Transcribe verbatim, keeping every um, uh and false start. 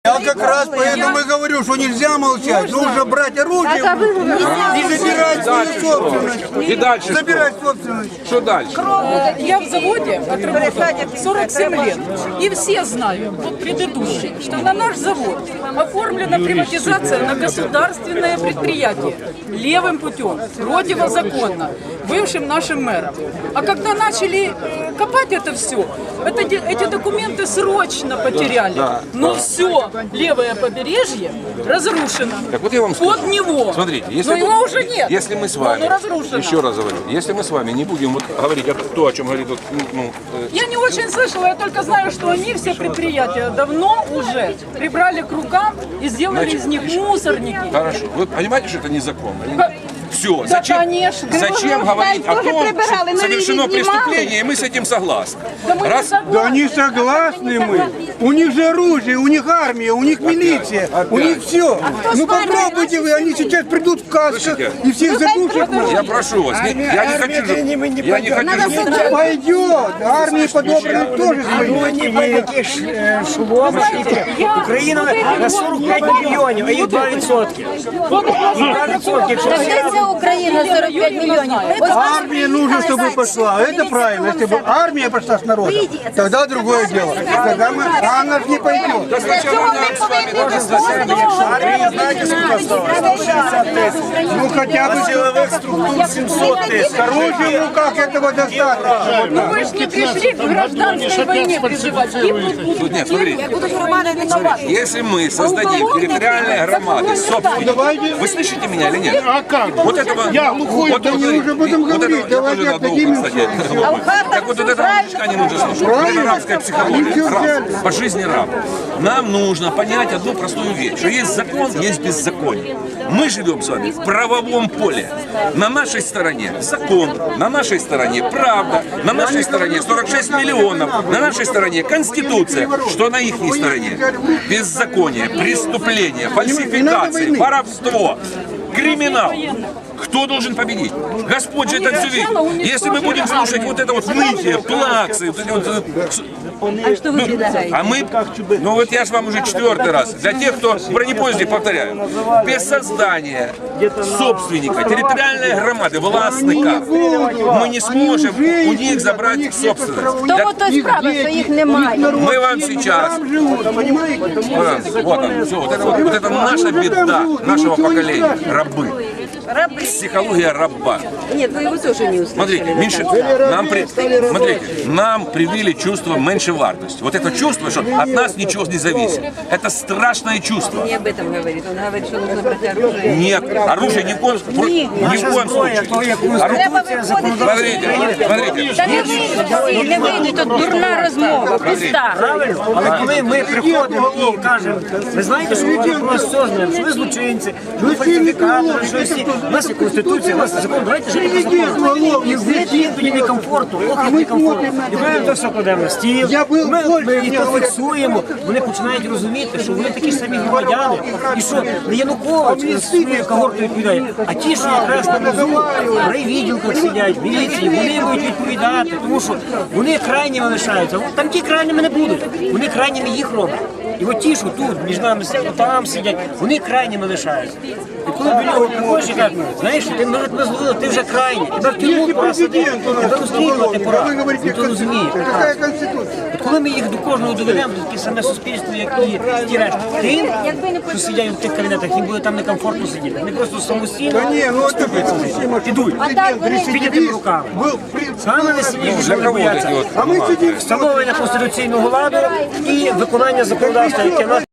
Я как раз поэтому и говорю, что нельзя молчать. Нужно брать оружие и забирать свою собственность. И дальше Забирать собственность. Что дальше? Я в заводе отработала сорок семь лет. И все знают, вот предыдущие, что на наш завод оформлена приватизация на государственное предприятие левым путем, противозаконно, бывшим нашим мэром. А когда начали э, копать это все, это, эти документы срочно потеряли. Да, Но да. все левое побережье разрушено. Так вот я вам скажу. Под него. Смотрите, если, Но его уже нет. если мы с Но вами, оно разрушено. еще раз говорю, если мы с вами не будем вот говорить о то, о чем говорит вот, ну, э, Я не очень слышала, я только знаю, что они все предприятия давно уже прибрали к рукам и сделали Значит, из них мусорники. хорошо. Вы понимаете, что это незаконно? Ка- Все, Да, зачем, конечно. зачем говорить о тоже том, прибирали, что на совершено видео преступление, и мы с этим согласны? Да мы не Раз, согласны. Да они согласны мы. У них же оружие, у них армия, у них милиция, у них все. Ну попробуйте вы, они сейчас придут в касках Слушайте, и всех задушат. я прошу вас, не- я не хочу, же- я не хочу, же- Пойдет, армии подобранных тоже свои. Ніяких шумов. Україна на сорок п'ять мільйонів, а їх два відсотки. два відсотки. Так де ця Україна сорок п'ять мільйонів? Ось Армия нужно, чтобы пошла. Это правильно. Если бы армия пошла с народом, тогда другое дело. Тогда мы, а она же не пойдет. сначала нам с вами надо создать. Армія, знаєте, скільки стало? сто шістдесят тисяч. Ну хотя бы Силових структур сімсот тисяч. оружие в руках этого достаточно. Ну вы же не пришли к гражданской войне призывать. Гибнут будут. Тут нет, смотрите. Будут громады виноваты. Если мы создадим территориальные громады, собственно, вы слышите меня или нет? А как? Вот этого, Я глухой, вот, да вот, не уже будем вот говорить, этого, я давайте тоже надо отдадим ухо, кстати. Так вот, вот этого мужичка не нужно слушать. Это рабская психология. Раб. По жизни раб. Нам нужно понять одну простую вещь, что есть закон, есть беззаконие. Мы живем с вами в правовом поле. На нашей стороне закон, на нашей стороне правда, на нашей стороне сорок шесть миллионов, на нашей стороне Конституция, что на их стороне беззаконие, преступление, фальсификации, воровство, криминал. Кто должен победить? Господь же это все видит. Если мы будем слушать вот это вот нытье, плаксы, вот эти вот, э, А что вы предлагаете? а мы, ну вот я же вам уже четвертый раз, для тех, кто в бронепоезде, повторяю, без создания собственника, территориальной громады, властника, мы не сможем у них забрать собственность. Для- Тому то справа, що їх немає. Мы вам сейчас, вот, вот он, все, вот это, вот, вот это наша беда нашего поколения, рабы. Психология раба. Нет, вы его тоже не услышали. Смотрите, меньше, нам, при, смотрите, нам привили чувство меньшевартости. Вот это чувство, что от нас ничего не зависит. Это страшное чувство. Не об этом говорит. Он говорит, что нужно брать оружие. Нет, оружие ни в коем, ни в коем случае. Конституція, законодавство. Смотрите, смотрите. Та не вийдуть, не вийдуть, тут дурна розмова, пуста. Правильно? Але коли ми приходимо і кажемо, ви знаєте, що ми про вас все знаємо, що ви злочинці, що ви фальсифікатори, що всі. У нас є Конституція, у нас є закон, давайте жити по закону. І в тоді некомфорту, ох, як некомфортно. І ми то все кладемо на стіл, ми, ми і то фіксуємо, вони починають розуміти, що вони такі ж самі громадяни, і що не Янукович з своєю когортою відповідає, а ті, що якраз на низу, в райвідділках сидять, в міліції, вони будуть відповідати, тому що вони крайніми лишаються. Там ті крайніми не будуть, вони крайніми їх роблять. І от ті, що тут, між нами сидять, там сидять, вони крайніми лишаються. І коли до нього приходиш і кажуть, знаєш, ти, ми, ми зловили, ти вже крайній, тебе в тюрму пора садити, тебе розстрілювати пора, ніхто розуміє. Какая конституция? От коли ми їх до кожного доведемо, до таке саме суспільство, як і ті решта, тим, що сидять в тих кабінетах, їм буде там некомфортно сидіти. Вони просто самостійно Да не, ну это вы підуть, підійти руками. был Саме найсильніші, Для що кого вот бояться, эти вот А мы сидим бумаги? встановлення конституційного ладу і виконання законодавства, яке нас